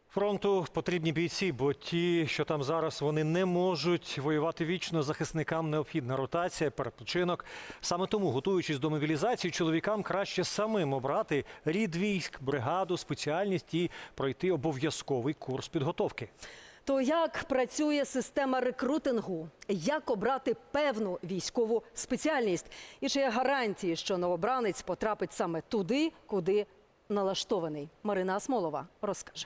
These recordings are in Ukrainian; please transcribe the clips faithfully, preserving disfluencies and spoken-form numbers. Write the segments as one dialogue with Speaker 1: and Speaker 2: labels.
Speaker 1: Фронту потрібні бійці, бо ті, що там зараз, вони не можуть воювати вічно. Захисникам необхідна ротація, перепочинок. Саме тому, готуючись до мобілізації, чоловікам краще самим обрати рід військ, бригаду, спеціальність і пройти обов'язковий курс підготовки.
Speaker 2: То як працює система рекрутингу? Як обрати певну військову спеціальність? І чи є гарантії, що новобранець потрапить саме туди, куди налаштований? Марина Асмолова розкаже.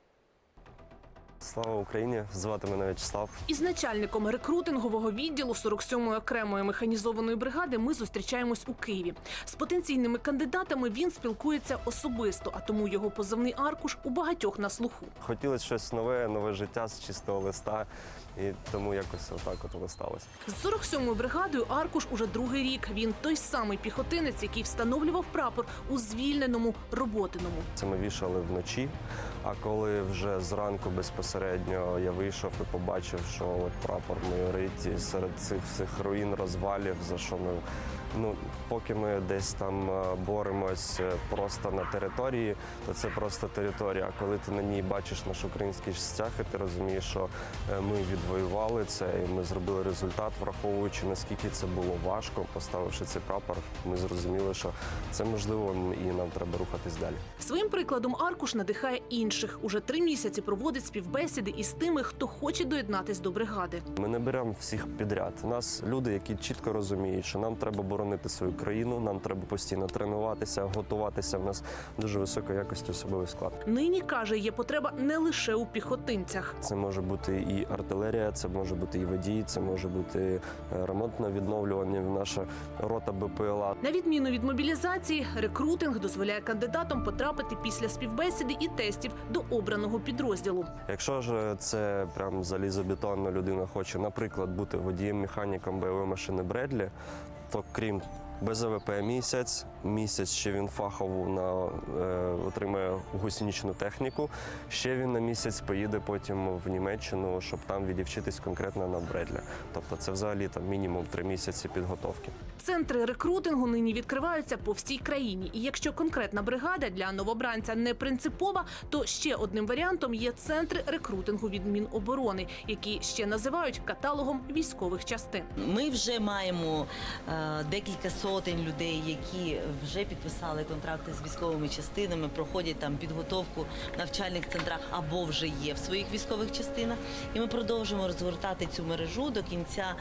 Speaker 3: Слава Україні! Звати мене В'ячеслав.
Speaker 4: Із начальником рекрутингового відділу сорок сьомої окремої механізованої бригади ми зустрічаємось у Києві. З потенційними кандидатами він спілкується особисто, а тому його позивний аркуш у багатьох на слуху.
Speaker 3: Хотілося щось нове, нове життя з чистого листа, і тому якось отак от воно сталося.
Speaker 4: З сорок сьомою бригадою аркуш уже другий рік. Він той самий піхотинець, який встановлював прапор у звільненому Роботиному.
Speaker 3: Це ми вішали вночі, а коли вже зранку безпосередньо я вийшов і побачив, що от прапор майорить і серед цих всіх руїн, розвалів, за що ми, ну, поки ми десь там боремось просто на території, то це просто територія. А коли ти на ній бачиш наш український стяг, і ти розумієш, що ми відвоювали це, і ми зробили результат, враховуючи, наскільки це було важко, поставивши цей прапор, ми зрозуміли, що це можливо, і нам треба рухатись далі.
Speaker 4: Своїм прикладом аркуш надихає інших. Уже три місяці проводить співбесіди із тими, хто хоче доєднатись до бригади.
Speaker 3: Ми не беремо всіх підряд. У нас люди, які чітко розуміють, що нам треба боронити свою країну, нам треба постійно тренуватися, готуватися. У нас дуже високої якості особовий склад.
Speaker 4: Нині, каже, є потреба не лише у піхотинцях.
Speaker 3: Це може бути і артилерія, це може бути і водії, це може бути ремонтне відновлювання, наша рота Б П Л А.
Speaker 4: На відміну від мобілізації, рекрутинг дозволяє кандидатам потрапити після співбесіди і тестів до обраного підрозділу.
Speaker 3: Якщо ж це прям залізобетонна людина хоче, наприклад, бути водієм-механіком бойової машини Бредлі, то крім Б З В П місяць, місяць ще він фахово на, е, отримає гусеничну техніку, ще він на місяць поїде потім в Німеччину, щоб там відівчитись конкретно на Бредлі. Тобто це взагалі там мінімум три місяці підготовки.
Speaker 4: Центри рекрутингу нині відкриваються по всій країні. І якщо конкретна бригада для новобранця не принципова, то ще одним варіантом є центри рекрутингу від Міноборони, які ще називають каталогом військових частин.
Speaker 5: Ми вже маємо е, декілька сотень людей, які вже підписали контракти з військовими частинами, проходять там підготовку в навчальних центрах або вже є в своїх військових частинах. І ми продовжуємо розгортати цю мережу. До кінця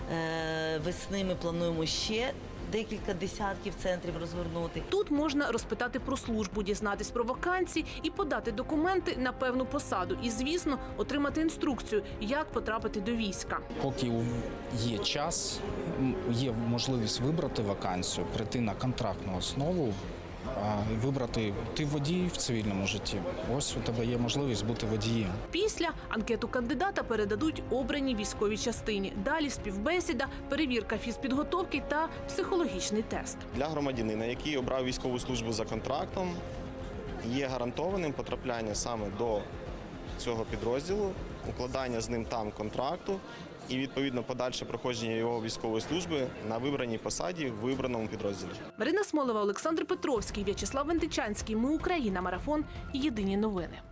Speaker 5: е, весни ми плануємо ще декілька десятків центрів розгорнути.
Speaker 4: Тут можна розпитати про службу, дізнатись про вакансії і подати документи на певну посаду. І, звісно, отримати інструкцію, як потрапити до війська.
Speaker 6: Поки є час, є можливість вибрати вакансію, прийти на контрактну основу, вибрати ти водій в цивільному житті. Ось у тебе є можливість бути водієм.
Speaker 4: Після анкету кандидата передадуть обраній військовій частині. Далі співбесіда, перевірка фізпідготовки та психологічний тест.
Speaker 7: Для громадянина, який обрав військову службу за контрактом, є гарантованим потрапляння саме до цього підрозділу, укладання з ним там контракту і, відповідно, подальше проходження його військової служби на вибраній посаді в вибраному підрозділі.
Speaker 4: Марина Смолова, Олександр Петровський, В'ячеслав Вентичанський. Ми Україна. Марафон. Єдині новини.